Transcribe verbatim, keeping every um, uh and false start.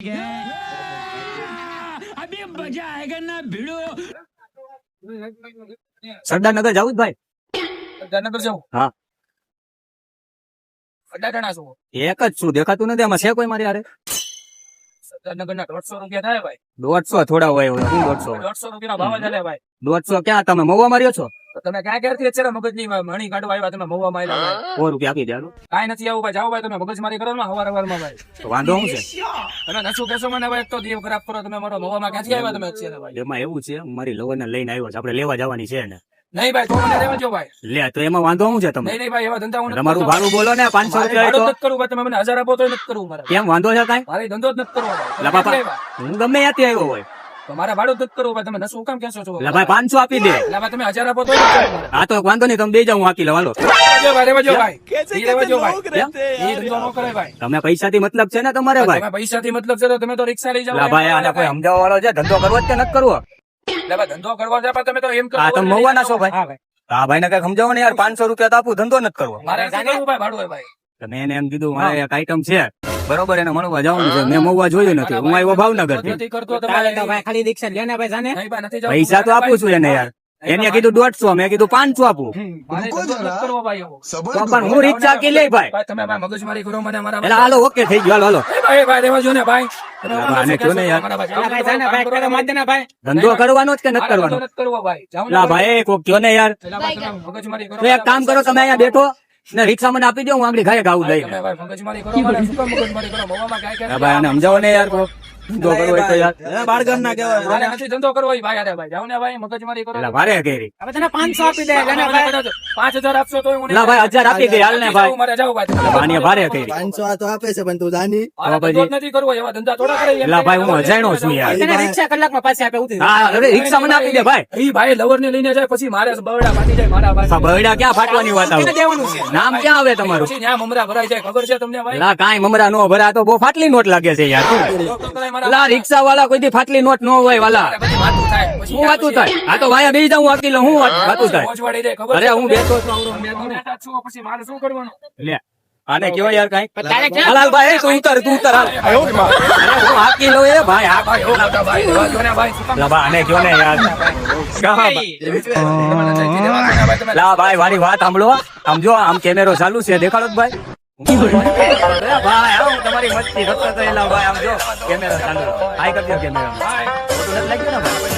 अभी मजा आएगा ना भिड़ो। સરદારનગર જાવું ભાઈ? સરદારનગર જાઉં? હા. અઢાર જણા છો? એક જ છું, દેખાતું નથી આમાં. છે કોઈ મારી હારે? સરદારનગર ના દોઢસો રૂપિયા થાય ભાઈ. દોઢસો થોડા હોય શું દોઢસો? દોઢસો રૂપિયા ભાવ ચાલે ભાઈ. દોઢસો ક્યાં તમે મહુવા માર્યો છો? તો તમે ક્યાં ક્યારથી અત્યારે મગજની મણી કાઢવા આવ્યા? તમે મહુવા માં આવ્યા ભાઈ. સો રૂપિયા આપી દેવાનું. કાંઈ નથી આવું ભાઈ. જાઓ ભાઈ, તમે મગજમારી કરો ને હવાર હવારમાં ભાઈ. તો વાંધો શું છે? તમે નશું કહેશો મને ભાઈ, એક તો દેવ ખરાબ કરો તમે. મારો મહુવામાં ક્યાંથી આવ્યા તમે અત્યારે ભાઈ? એમાં એવું છે, મારી લવરને લઈને આવ્યો છે, આપણે લેવા જવાની છે ને. નહીં ભાઈ, તો મને રહેવા દો ભાઈ. લે તો એમાં વાંધો શું છે તમે? નહીં નહીં ભાઈ, એવા ધંધા હું નથી તમારું કરતો. ભાડું બોલો ને. પાંચસો રૂપિયા ભાડું તો નથી કરવું ભાઈ. તમે મને હજાર આપો તો નથી કરવું મારે. કેમ વાંધો છે કાંઈ? મારે ધંધો જ નથી કરવો ભાઈ. લા તમે બાપા, ક્યાંથી આવ્યા? હું ગમે ત્યાંથી આવ્યો હોય. તો મારે ભાડું જ નથી કરવું ભાઈ. તમે નશું કામ કહેશો છો? લા ભાઈ પાંચસો આપી દે. એટલે ભાઈ તમે હજાર આપો તો નથી કરવું મારે. હા તો વાંધો નહીં, તમે બે જાવ, હું આપી લઉં. હાલો. રહેવા દો ભાઈ, રહેવા દો ભાઈ. ઈ રહેવા દો ભાઈ. ઈ ધંધો ન કરે ભાઈ. તમે પૈસાથી મતલબ છે ને તમારે ભાઈ? તમે પૈસાથી મતલબ છે તો તમે તો રિક્ષા લઈ જાઓ. લા ભાઈ આને કોઈ સમજાવવા વાળો છે? ધંધો કરવો જ કે નથી કરવો? એટલે ભાઈ ધંધો કરવા છે પણ તમે તો એમ કરો. હા, તમે મહુવાના છો ભાઈ? હા ભાઈ. હા ભાઈ ને કઈ સમજાવો ને યાર. પાંચસો રૂપિયા તો આપું, ધંધો નથી કરવો. મારે નથી કરવું ભાઈ ભાડું હોય ભાઈ. તમે એને એમ કીધું મારે એક આઈટમ છે બરોબર, એને મળવા જવાનું છે. મેં મહુવા જોયું નથી, હું આવ્યો ભાવનગર થી. નથી કરતો તમારે ખાલી રિક્ષા લેને ભાઈ જાને. નહીં ભાઈ, નથી જવું. પૈસા તો આપું છું એને યાર. એને કીધું દોઢસો, મેં કીધું પાંચસો આપું. મારે ધંધો નથી કરવો ભાઈ એવો. તો પણ હું રિક્ષા કી લઈ ભાઈ. ભાઈ તમે ભાઈ મગજમારી કરો મને મારા. એટલે હાલો, ઓકે થઈ ગયો, હાલો હાલો. એ ભાઈ ભાઈ રહેવા જો ને ભાઈ. તમે લા ભાઈ, આને કયો ને યાર. મારા ભાઈ. ના ભાઈ જાને ભાઈ કરો માર દેના ભાઈ. ધંધો કરવાનો જ કે નથી મારે ધંધો કરવાનો? નથી કરવો ભાઈ. જાઓ ને લા ભાઈ કોક કયો ને યાર. એટલે ભાઈ તમે મગજમારી કરો. તો એક કામ કરો, તમે અહીંયા બેઠો ને રિક્ષા મને આપી દો, હું આગળ ઘરે ગાવું લઈને. તમે ભાઈ મગજમારી કરો. મારે શું કામ મગજમારી કરો? મહુવામાં કાંઈ કાંઈ લા ભાઈ આને સમજાવો ને યાર. કોક ધંધો કરવો હોય તો યાર. મારે નથી ધંધો કરવો હોય ભાઈ. અરે ભાઈ જાઓ ને ભાઈ, મગજમારી કરો. લા ભારે કરી. હવે તને પાંચસો આપી દે લેને ભાઈ. પાંચ હજાર આપશો તો હું નહીં. લા ભાઈ હજાર આપી દે, હાલ ને ભાઈ. મારે જાવ ભાઈ. લા ભાઈ, આને ભારે કરી. પાંચસો આ તો આપે છે પણ તું જાની. મારે ધંધો જ નથી કરવો. એવા ધંધા થોડા કરે. લા ભાઈ હું અજાણ્યો છું યાર. તને રિક્ષા કલાકમાં પાછી આપે ઉતરી. હા અરે રિક્ષા મને આપી દે ભાઈ. ઈ ભાઈ લવર ને લઈને જાય પછી મારે બરડા ફાટી જાય મારા ભાઈ. બરડા ક્યાં ફાટવાની વાત આવે? દેવાનું છે. નામ ક્યાં આવે તમારું? પછી ન્યા મમરા ભરાઈ જાય. ખબર છે તમને ભાઈ? લા કાંઈ મમરા નો ભરા, તો બહુ ફાટલી નોટ લાગે છે યાર. તો તો કરાય મારા. લા રિક્ષા વાળા કોઈ દી ફાટલી નોટ નો હોય વાલા. પછી વાતું થાય. પછી હું વાતું થાય? આ તો વાયા બેસી જાઉં, આપી લઉં. હું વાત- વાતું થાય? પહોંચવાડી દે. ખબર અરે છે હું તમને? બેઠો છું, આવડો તમે બેઠો ને. બેઠા છો, પછી મારે શું કરવાનું? લે આને કયો યાર કાંઈ. તારે ક્યાં હાલ હાલ ભાઈ, તું ઉતર, તું ઉતર હાલ. અરે હું હાકી લઉં એ ભાઈ. હા ભાઈ ઓ મોટા ભાઈ રહેવા દો ને ભાઈ. શું કામ? લા ભાઈ આને કયો ને યાર. કા ભાઈ? દેવાના છે, દેવાના છે ભાઈ. તમે લા ભાઈ મારી વાત સાંભળો. આમ જો, આમ કેમેરો ચાલુ છે, દેખાડો જ ભાઈ. અરે ભાઈ આમ તમારી મસ્તી કરતો તો એલા ભાઈ, આમ જો કેમેરો ચાલુ. હાઈ કરજો કેમેરો. ભાઈ ખોટું નથી લાગ્યું ને ભાઈ?